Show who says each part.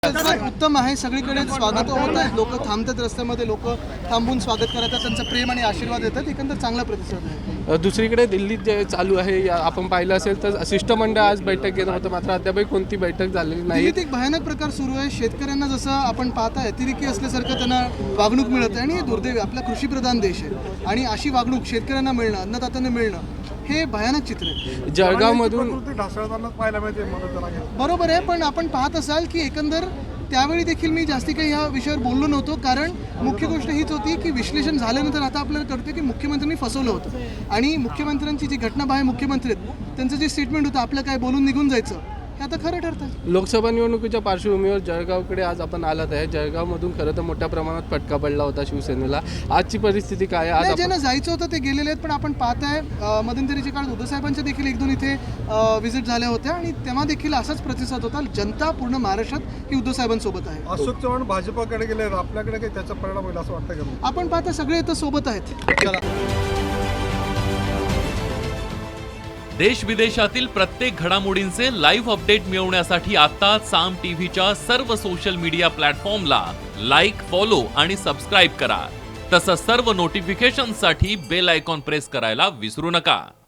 Speaker 1: उत्तम आहे, सगळीकडे स्वागत होत आहे, लोक थांबतात रस्त्यामध्ये, लोक थांबून स्वागत करतात, त्यांचा प्रेम आणि आशीर्वाद देतात, एकंदर चांगला प्रतिसाद आहे.
Speaker 2: दुसरीकडे दिल्लीत जे चालू आहे आपण पाहिलं असेल तर शिष्टमंडळ आज बैठक घेत होतं, मात्र अद्यापही कोणती बैठक झालेली नाही.
Speaker 1: दिल्लीत एक भयानक प्रकार सुरू आहे. शेतकऱ्यांना जसं आपण पाहताय अतिरेकी असल्यासारखं त्यांना वागणूक मिळत आहे आणि हे दुर्दैवी आपला कृषीप्रधान देश आहे आणि अशी वागणूक शेतकऱ्यांना मिळणं, अन्नदात्यांना मिळणं हे भयानक चित्र आहे.
Speaker 2: जळगावमधून
Speaker 1: बरोबर आहे, पण आपण पाहत असाल की एकंदर त्यावेळी देखील मी जास्ती काही या विषयावर बोललो नव्हतो, कारण मुख्य गोष्ट हीच होती की विश्लेषण झाल्यानंतर आता आपल्याला कळतं की मुख्यमंत्र्यांनी फसवलं होतं आणि मुख्यमंत्र्यांची जी घटनाबाह्य मुख्यमंत्री आहेत त्यांचं जे स्टेटमेंट होतं आपलं काय बोलून निघून जायचं हे आता खरं ठरतं.
Speaker 2: लोकसभा निवडणुकीच्या पार्श्वभूमीवर जळगावकडे आज आपण आलात आहे. जळगावमधून खरं तर मोठ्या प्रमाणात फटका पडला होता शिवसेनेला. आजची परिस्थिती काय आहे? आज
Speaker 1: ज्यांना जायचं होतं ते गेलेले आहेत, पण आपण पाहताय मध्यंतरीच्या काळात उद्धवसाहेबांच्या देखील एक दोन इथे व्हिजिट झाल्या होत्या आणि तेव्हा देखील असाच प्रतिसाद होता. जनता पूर्ण महाराष्ट्रात ही उद्धवसाहेबांसोबत आहे.
Speaker 3: अशोक चव्हाण भाजपाकडे गेले, आपल्याकडे काही त्याचा परिणाम होईल असं वाटतं का?
Speaker 1: आपण पाहता सगळे इथं सोबत आहेत.
Speaker 4: देश विदेशातील प्रत्येक घडामोडींचे लाईव्ह अपडेट मिळवण्यासाठी आता साम टीव्हीच्या सर्व सोशल मीडिया प्लॅटफॉर्मला लाईक, फॉलो आणि सबस्क्राईब करा. तसंच सर्व नोटिफिकेशनसाठी बेल आयकॉन प्रेस करायला विसरू नका.